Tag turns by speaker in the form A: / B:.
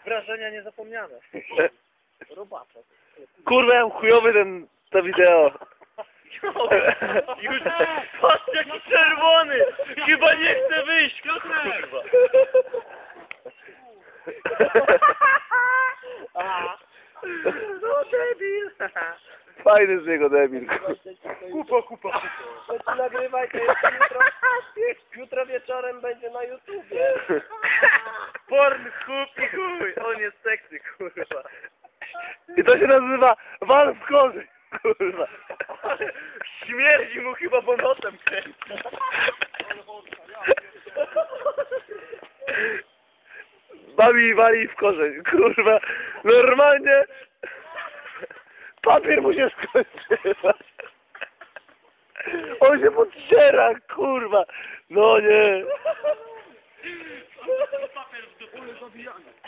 A: Wrażenia niezapomniane. Robaczek.
B: Kurwa, ja mam chujowy to wideo.
A: Już patrz jaki czerwony! Chyba nie chce wyjść, kurwa! No debil!
B: Fajny z niego debil.
A: Kupa.
C: To nagrywaj, to jest jutro wieczorem będzie na YouTubie.
A: Pornhub i chuj! On jest seksy, kurwa.
B: I to się nazywa wal w korzy. Kurwa.
A: Śmierdzi mu chyba, bo nosem kręci.
B: Bawi wali w korzeń. Kurwa. Normalnie papier mu się skończył. On się podciera, kurwa. No nie.
A: Papier w dupę.